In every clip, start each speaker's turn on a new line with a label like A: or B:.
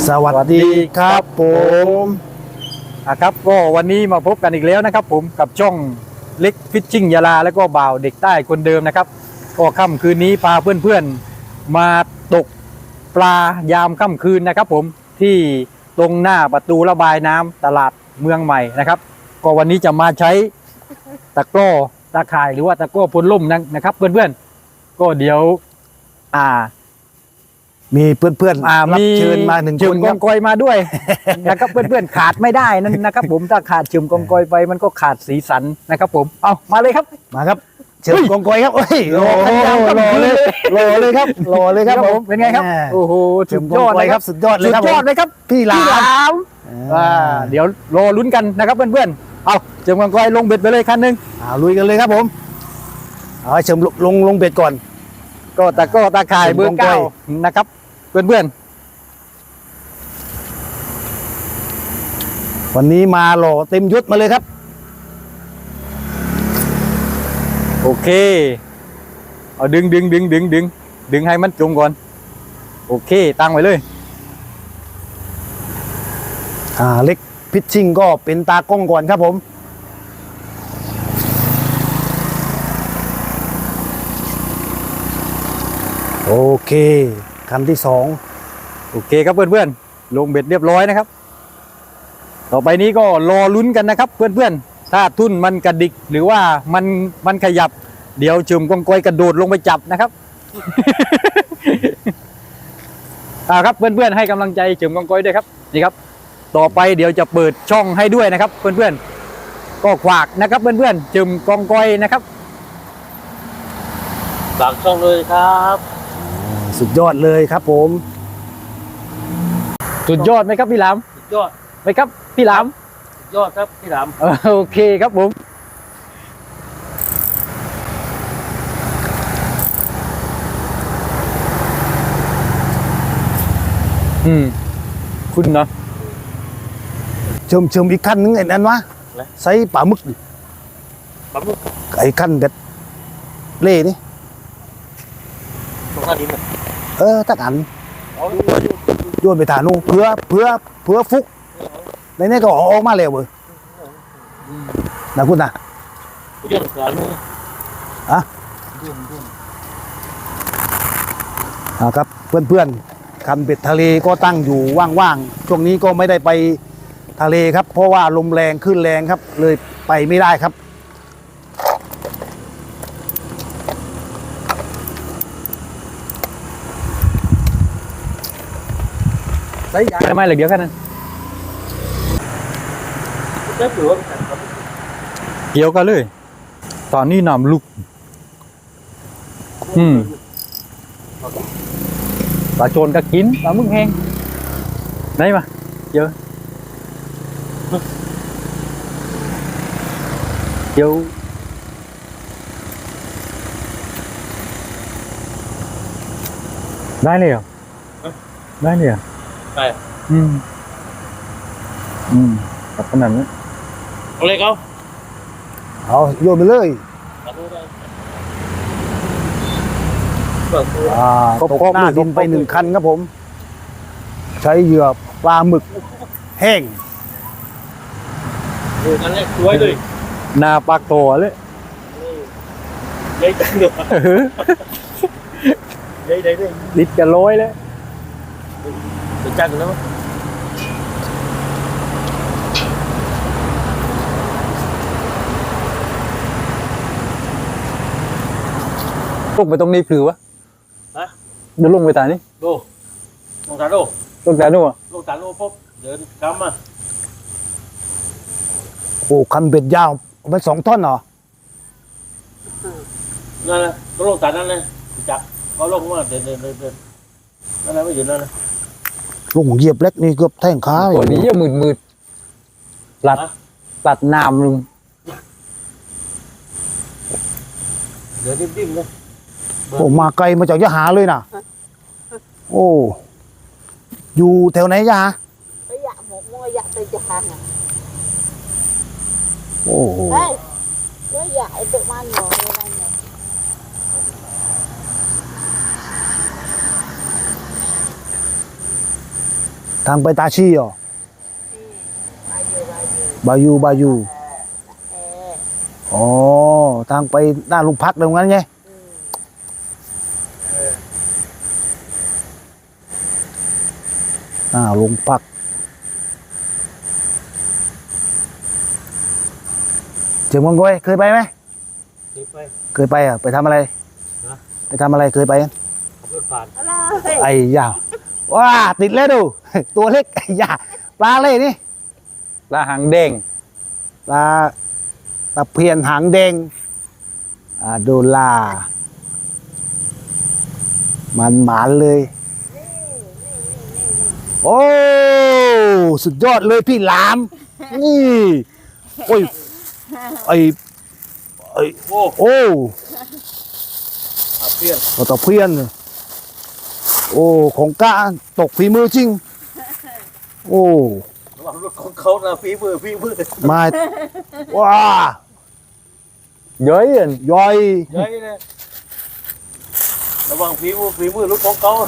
A: สวัสดีครับผม
B: ครับก็วันนี้มาพบกันอีกแล้วนะครับผมกับช่องเล็กฟิชชิ่งยาลาแล้วก็บ่าวเด็กใต้คนเดิมนะครับก็ค่ำคืนนี้พาเพื่อนๆมาตกปลายามค่ำคืนนะครับผมที่ตรงหน้าประตูระบายน้ำตลาดเมืองใหม่นะครับก็วันนี้จะมาใช้ตะกร้อตะข่ายหรือว่าตะกร้อพ่นล่มนะครับเพื่อนๆก็เดี๋ยว
A: มีเพื่อนๆรับเชิญมาหนึ่งคน
B: กองกอยมาด้วย นะครับเพื่อนๆขาดไม่ได้นั่นนะครับผมถ้าขาดเชิมกองกอยไปมันก็ขาดสีสันนะครับผมเอามาเลยครับ
A: มาครับเชิญกองกอยครับโอ้ยรอเลยครับผม
B: เป็นไงครับโอ้โห
A: เชิญกองกอยครับสุดยอดเลยครับ
B: สุดยอดเลยครับ
A: พี่หลาม
B: เดี๋ยวรอลุ้นกันนะครับเพื่อนๆเอาเชิมกองกอยลงเบ็ดไปเลยคันหนึ่ง
A: ลุยกันเลยครับผมเอาเชิญลงเบ็ดก่อน
B: ก็ตะข่ายเบอร์ 9นะครับเพื่อน
A: ๆวันนี้มาหล่อเต็มยศมาเลยครับ
B: โอเคเอาดึงให้มันจมก่อนโอเคตั้งไว้เลย
A: เล็กพิชชิ่งก็เป็นตากล้องก่อนครับผมโอเคคันที่2
B: โอเคครับเพื่อนๆลงเบ็ดเรียบร้อยนะครับต่อไปนี้ก็รอลุ้นกันนะครับเพื่อนๆถ้าทุ่นมันกระดิกหรือว่ามันขยับเดี๋ยวเชิมกองกอยกระโดดลงไปจับนะครับ ครับเพื่อนๆให้กำลังใจเชิมกองกอยด้วยครับนี่ครับต่อไปเดี๋ยวจะเปิดช่องให้ด้วยนะครับเพื่อนๆก็ขวากนะครับเพื่อนๆเชิมกองกอยนะครับ
C: ฝากช่องเลยครับ
A: สุดยอดเลยครับผม
B: สุดยอดไหมครับพี่หลาม
C: สุดยอด
B: ไหมครับพี่หลาม
C: สุดยอดครับพี่หลาม
B: โอเคครับผมคุณเนาะ
A: เชิมอีกขั้นนึงไอ้นั่นวะใส่ปลาหมึกไอ้ขั้นเด็ดเล่นี่
C: ตรงนั้นดีมั้ย
A: ตักอันโยนไปฐานนู่นเพื่อฟุกในนี้ก็ออกมาแล้วเว้ยนะคุณนะ
C: โยนฐานนู่น
A: ครับเพื่อนๆคันเบ็ดทะเลก็ตั้งอยู่ว่างๆช่วงนี้ก็ไม่ได้ไปทะเลครับเพราะว่าลมแรงขึ้นแรงครับเลยไปไม่ได้ครับ
B: ทำไมเหลือเดียวแค่นั้นเกี่ยวกันเลยตอนนี้น้ำลุกปลาโจนก็กินปลาหมึกแห้งไหนมาเยอะเดี๋ยวได้เลยเหรอได้เลยเหรอ
C: ไป
B: แบบขนาดนี้
C: เอาเลย
A: เอาโยนไปเลยตกหน้าดินไป1 คันครับผมใช้เหยื่อปลาหมึกแห้ง
C: นั่นแหละสวยเลย
B: หน้าปากโตเลย
C: ใหญ่จังเลยใหญ่
B: ดิดจะร้อยเลย
C: จะจังแล้ว
B: ลงไปตรงนี้คือวะเดี๋ยวลงไปตานี่
C: ลงตาโด
B: ลงตาโน่
C: ปุ๊บเดินกำมา
A: โอ้คันเบ็ดยาวไป2 ท่อนเหรอ
C: นั่นแหละก็ลงตานั่นเลยจับเขาลงมาเดินนั่นแหละไม่หยุดนั่นเลย
A: ลงเหยียบเล็กนี่เกือบแท่งขา
B: ตัวนี้จะมืดตัดน้ำลุง
C: เดินดิ้มเลย
A: โอ้มาไกลมาจากยะหาเลยนะโอ้อยู่แถวไหนยะ
D: ไปยะหมกมัวยะไปยะหา
A: โอ้
D: เฮ้ยก็ยะไอ้ตัวมันหน่อยอะไรเนี่ย
A: ทางไปตาชีเหรอ
D: บายู
A: บายู
D: เออ
A: อ๋อทางไปหน้าโรงพักตรงนั้นไงหน้าโรงพักเจียงมังกรเคยไปไหม
C: นี่ไป
A: เคยไปอ่ะไปทำอะไร
C: ฮะ
A: ไปทำอะไรเคยไปกัน
C: ขับรถผ่าน
D: อะไร
A: ไอ้ยาวว้าติดแล้วดู ตัวเล็กไอ้ยาปลาเลยนี่
B: ปลาหางแดง
A: ปลาตะเพียนหางแดงโดลามันหมานเลย โอ้สุดยอดเลยพี่หลาม นี่โอ้ยไอ้
C: โอ้
A: โอ้
C: อาเพี้ยน
A: ตะเพียนโอ้ของกะตกฝีมือจริง โอ้
C: ระวังรถของเขานะฝีมือ
A: มาว้า
B: เย้ยอัน
A: ย่อย
C: ใหญ่เลยระวังฝีมือรถของเขา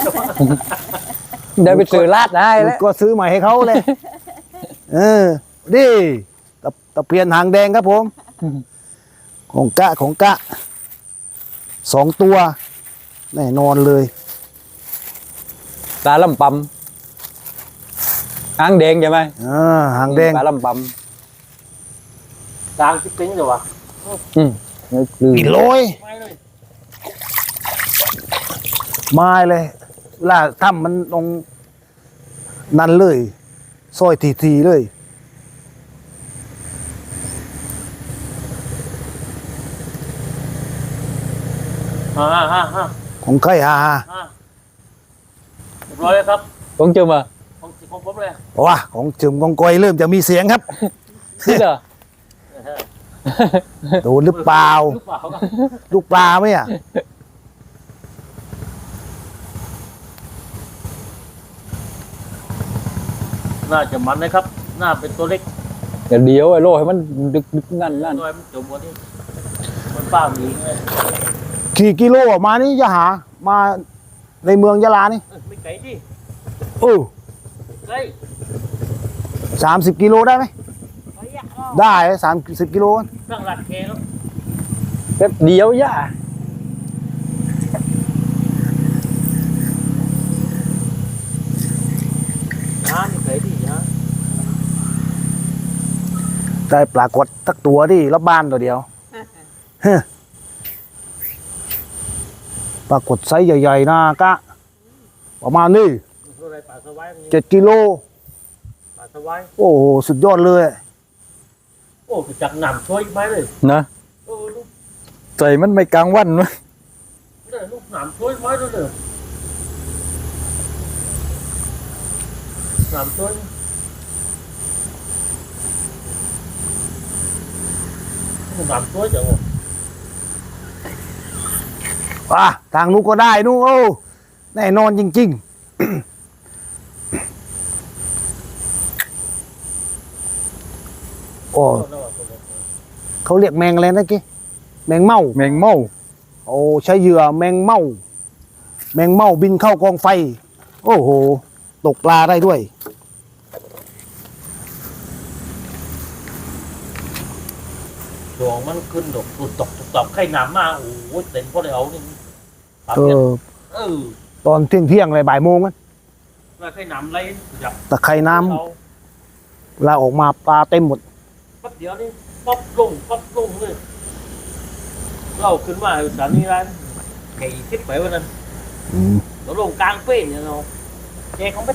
B: ได้ไปซื้อลาดได้แล้ว
A: ก็ซื้อใหม่ให้เขาเลย เออดิตะเพียนหางแดงครับผม ของกะ2 ตัวแน่นอนเลย
B: ปลาลำปำหางแดงใช่ไหม
A: หางแดง
B: ปลาลำป
C: กลางจิ๊บติ้งเลยวะ
B: ำลืม
A: กิโลย
C: ไม่เลย
A: ไม้เลยล่าถ้ำมันตรงนั่นเลยซอยทีเลย
C: ฮ่า
A: ของใครฮา
C: เรียบร้อยแล้วครับ
B: ต้องเจอมา
C: ของผมเลย
A: ว้าของจึมของกอยเริ่มจะมีเสียงครับ
B: นี่เหรอ
A: โดนหรือเปล่า
C: หรือเปล่าครับ
A: ลูกปลาไหมอ่ะ
C: น่าจะมันนะครับน่าเป็นตัวเล็ก
B: เดี๋ยวไอ้โลให้มันดึกนั่น
C: น้อยมันจมกว่านี้มันป้าหมีไง
A: กี่กิโลออกมานี่จะหามาในเมืองยะลานี่
C: ไม่ไกลดิ
A: โอ้
C: ไกล
A: 30 กิโลได้ไหม
D: เขาอยากออก
A: ได้30 กิโล
C: ตั้งหลักแคแล้ว
B: แป๊บเดียวย่า
C: น้ำไม่ไกลดิฮะ
A: ได้ปรากฏสักตัวดิรอบบ้านตัวเดียวเฮ้อปรากฏไซส์ใหญ่ๆนะกะ ประมาณนี้
C: อะไรป่าสวายมัน
A: 7 กิโล
C: ป่าสวาย
A: โอ้โหสุดยอดเลย
C: โอ้จักหนำช่วยไหมเลย
B: นะ
C: โอ้ลูก
B: ใจมันไม่กลางวันวะ
C: เนี่ยลูกหนำช่วยไหมด้วยเนี่ยหนำช่วยหนำช่วยจังวะ
A: ทางนู้นก็ได้นู้นโอ้แน่นอนจริงๆ โอ้เขาเรียกแมงอะไรนะกี้แมงเม่า
B: แมงเม่า
A: โอ้ใช้เหยื่อแมงเม่า แมงเม่าบินเข้ากองไฟ โอ้โห ตกปลาได้ด้วย
C: ดวงมันขึ้นดอกตุดตกไข่หนำมาโอ้โหเต็มพอได้เอานี่ปั๊บ
A: เอ
C: เนี่ย
A: อ
C: ต
A: ตอนเที่ยงอะไรบ่ายโมงมัน
C: แล้วไข่หนำไรจับ
A: ตะไคร่น้
C: เอา
A: ำเวลาออกมาปลาเต็มหมด
C: แป๊บเดียวนี่ป๊อปลงเลยเราขึ้นมาสถานีร้านไก่ทิพย์ไปวันนั้นเราลงกลางเป้งเนี่ยเราแกเขาไม่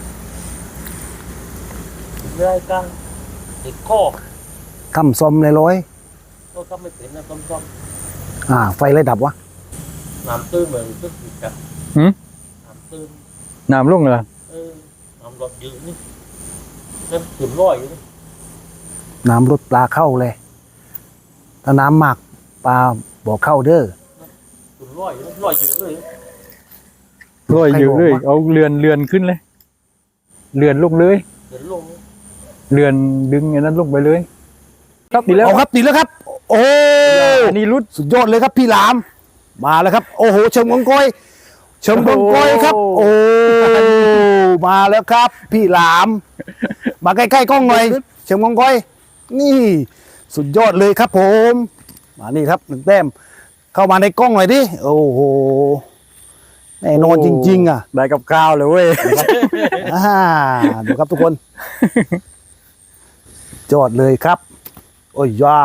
C: เรื่อยกลางติดข้อ
A: ทำซอมเลยร้อย
C: ก็ทำไม่เป็นนะต้ม
A: ไฟเลยดับวะ
C: น้ำตื้นเหมือนตึ๊ดจับ
B: หืม
C: น้ำตื้น
B: น้ำลงเลย
C: น้ำรถยืดนี่เต็มถึงร้อยอยู่นี่
A: น้ำลดปลาเข้าเลย ถ้าน้ำมากปลาบอกเข้าเด้อ
C: ถึงร้อยอยู่นี่ร้อยยืดเลย
B: ร้อยอยู่เลยเอาเรือนขึ้นเลยเรือนลงเลย
C: เดินลง
B: เรือนดึงไอ้นั้นลงไปเลย ครับดีแล้ว
A: เอาครับติดแล้วครับ โอ้
B: อันนี้รุด
A: สุดยอดเลยครับพี่หลาม มาแล้วครับ โอ้โหเชิงกองกอยเชิงกองกอยครับ โอ้มาแล้วครับ พี่หลาม มาใกล้ๆกล้องหน่อยเชิงกองก้อยนี่ สุดยอดเลยครับผมมานี่ครับ1 แต้มเข้ามาในกล้องหน่อยดิโอ้โหแน่นอนจริงๆอ่ะ
B: ได้กับข้าวเลยเว้ย
A: ดูครับทุกคนยอดเลยครับ โอ้ยย่า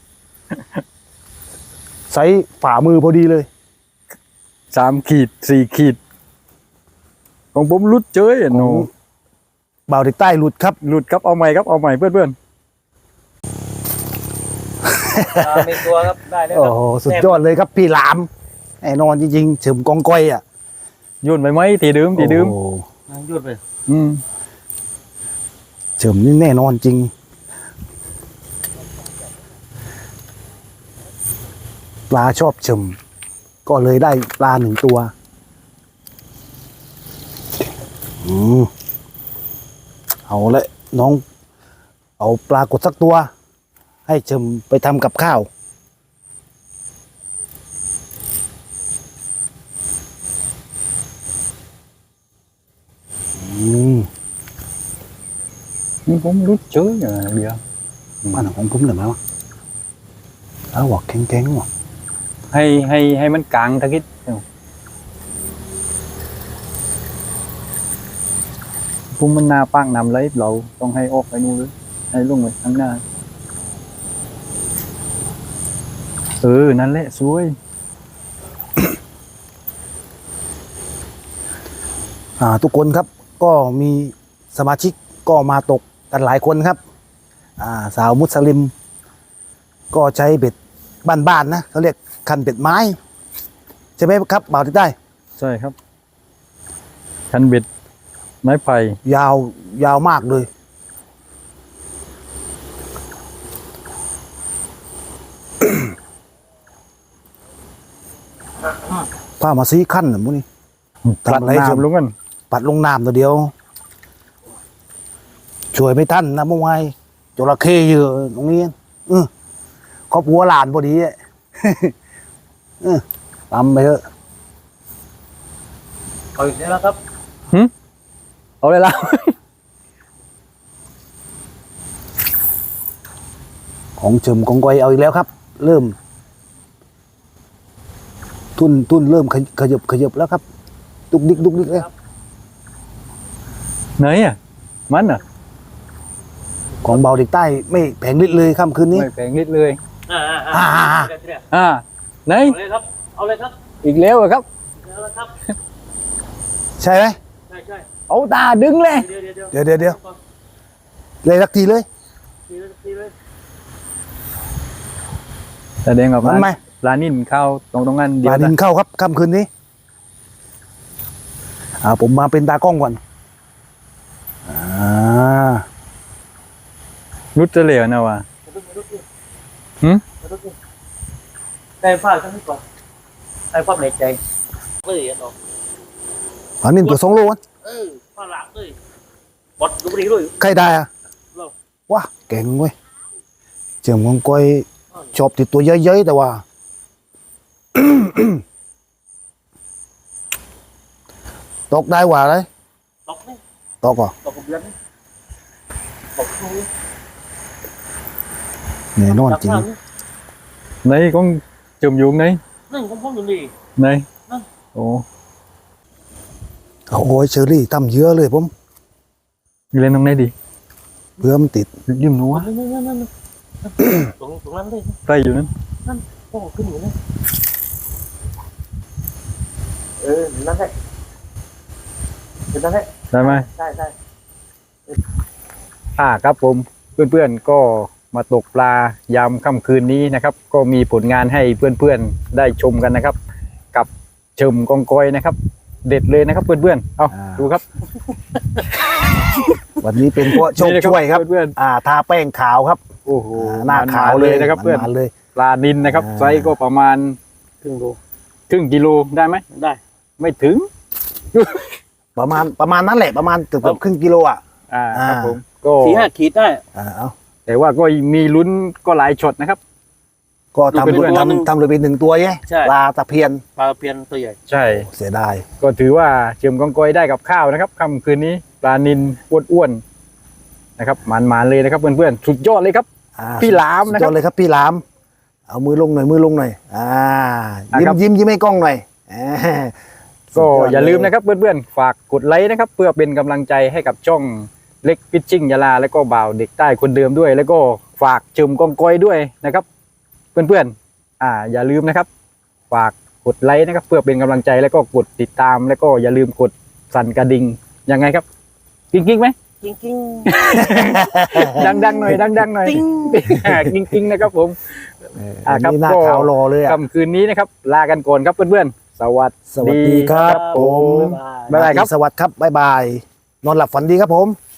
A: ใส่ฝ่ามือพอดีเลย
B: 3 ขีด 4 ขีด ของผมรุดเจ้ยโน
A: บ่าวเด็กใต้หลุดครับ
B: หลุดครับเอาใหม่ครับเอาใหม่เพื่อน
C: เป็นตัวครับได้แล้ว
A: โอ้โหสุดยอดเลยครับพี่หลามแน่นอนจริงๆเฉิมกองก้อยอ่ะ
B: ๆโยุ่นไปไหมทีเดิม
A: โอ้โห
C: ยืดไป
B: อืม
A: เฉิมนี่แน่นอนจริง ปลาชอบเฉิมก็เลยได้ปลา1 ตัวเอาละน้อง เอาปลากดสักตัว ให้เฉิมไปทำกับข้าว
B: นี่ผมรุดเจ้ยอ่ะเดียว
A: บ้านของผมเหรือไหมวะแล้วบอกแข็งๆว่ะ
B: ให้มันกลางตะกิดพุ่มมันหน้าปากนำเลยเราต้องให้ออกไปนู่นเลยให้ลงไปข้างหน้านั่นแหละสวย
A: ทุกคนครับก็มีสมาชิกก็มาตกกันหลายคนครับสาวมุสลิม ก็ใช้เบ็ดบ้านๆนะเขาเรียกคันเบ็ดไม้ ใช่ไหมครับบ่าวที่ได้
B: ใช่ครับคันเบ็ดไม้ไผ่
A: ยาวมากเลย ผ้ามาซีขั้นน่ะมุนี่
B: ปลัด
A: ทำอะไรเชิญ
B: น้ำลงกัน
A: ปัดลงน้ำตัวเดียว ช่วยไม่ทันนะเมื่อวานจระเข้เยอะตรงนี้ครอบครัวหลานพอดีอะ ตำไปเถอะ
C: เอาอีกแล้วครับ
B: เอาเลยล่ะ
A: ของเฉิมของก้อยเอาอีกแล้วครับ เริ่ม ทุนเริ่มขยับแล้วครับดุกดิกแล้ว
B: ไหนอ่ะมันอ่ะ
A: ของเบาเด็กใต้ไม่แผงฤทธิ์เลยค่ำคืนนี้
B: ไม่แพงนิดเลย ไหน
C: เอาเลยครับเอาเลยครับ
B: อีกแล้วเหรอครับ
C: เอาเลยครับ
A: ใช่ไหม
C: ใช่
B: เอาตาดึงเลย
C: เดี๋ยว
A: เลยสักทีเลย
C: ทีเลย
B: แสดงกับ
A: มันไหม
B: ปลานิ่นเข้าตรงนั้น
A: ป
B: เดีย
A: ลาว ดิ
B: นะ
A: นเข้าครับค่ำคืนนี้ผมมาเป็นตากล้องก่อนอ่า
B: รุดจะเหลวนะวะ
C: แต่ผ้าทั้งนี้ก่อนแต่ความในใจเลยอ่ะน้อง
A: ปลานิ่นตัว2 โลวะ
C: ผ้าหลักเลยบดดูดีด้วย
A: ใครได้อะ
C: เรา
A: ว้าเก่งเว้ยเจียมของก้อยชอบติดตัวเยอะๆแต่ว่า ตกได้หว่าเลย
C: ตกนี่
A: ตกเหรอ
C: ตกกับเดือนนี่ตกดู
A: แน่นอนจริง
B: ไหนก็จมยุงไหน
C: นั่นของพ่ออยู่นี่
B: ไหน
C: นั่น
B: โอ้
A: โอ้ยเชอรี่ทำเยอะเลยผม
B: ยเล่นตรงไหนดี
A: เพื่อมันติด
B: ยิ้มหนัว
C: นั่นตรงนั้นเลย
B: ใกล้อยู่นั้น
C: โอ้ขึ้นอยู่นะนั่นแหละนั่นแหละ
B: ได้ไหม
C: ใช่
B: ครับผมเพื่อนๆก็มาตกปลายามค่ำคืนนี้นะครับ ก็มีผลงานให้เพื่อนๆได้ชมกันนะครับ กับเฉิมกองกอยนะครับ เด็ดเลยนะครับเพื่อนๆเอาดูครับ
A: วันนี้เป็นพวกโชค
B: นี่นะ
A: ช่วยครับ
B: เพื่อน
A: ทาแป้งขาวครับ
B: ๆโอ้โห
A: หน้าขาวเลย
B: นะครับเพื่อน
A: มันๆเลย
B: ปลานินนะครับ
A: อ่า
B: ไซส์ก็ประมาณ
C: ครึ่งโล
B: ครึ่งกิโลได้ไหม
C: ได้
B: ไม่ถึง
A: ประมาณนั้นแหละประมาณเกือบครึ่งกิโลอ่ะ
B: ครับผมก็
C: 4-5 ขีดได้
A: เอา
B: แต่ว่าก็มีลุ้นก็หลายช็อตนะครับ
A: ก็ทำ
B: ดูเป็น
A: ทำเลยเป็นหนึ่งตัวไง
C: ใช่
A: ปลาตะเพียน
C: ปลาเพียนตัวใหญ่
B: ใช่
A: เสียดาย
B: ก็ถือว่าเจิมกองกอยได้กับข้าวนะครับค่ำคืนนี้ปลานิลอ้วนๆนะครับหมานๆเลยนะครับเพื่อนๆสุดยอดเลยครับ
A: อ่า
B: พี่หลามนะครับ
A: สุดยอดเลยครับพี่หลาม เอามือลงหน่อยยิ้
B: ครั
A: ม
B: บ
A: ยิ้มให้กล้องหน่อยา
B: ก็อย่าลืมนะครับเพื่อนๆฝากกดไลค์นะครับเพื่อเป็นกำลังใจให้กับช่องเล็กฟิชชิ่งยาลาแล้วก็บ่าวเด็กใต้คนเดิมด้วย แล้วก็ฝากเจิมกองกอยด้วยนะครับเพื่อนๆอย่าลืมนะครับฝากกดไลค์นะครับเพื่อเป็นกำลังใจแล้วก็กดติดตามแล้วก็อย่าลืมกดสั่นกระดิ่งยังไงครับกิ๊งๆไหม
C: จริง
B: ดังๆหน่อยดังๆหน่อย
C: ติ๊ง
B: กิ๊งๆนะครับผม
A: อัน
B: ครับ
A: นี้หน้า
B: ก็
A: ขาวรอเลยอ่ะ
B: ค่ำคืนนี้นะครับลากันก่อนครับเพื่อนๆสวัส
A: สวัสดีครับ
C: ๆ
A: ผม
B: บ๊ายบายครับ
A: สวัสดีครับบ๊ายบาย นอนหลับฝันดีครับผม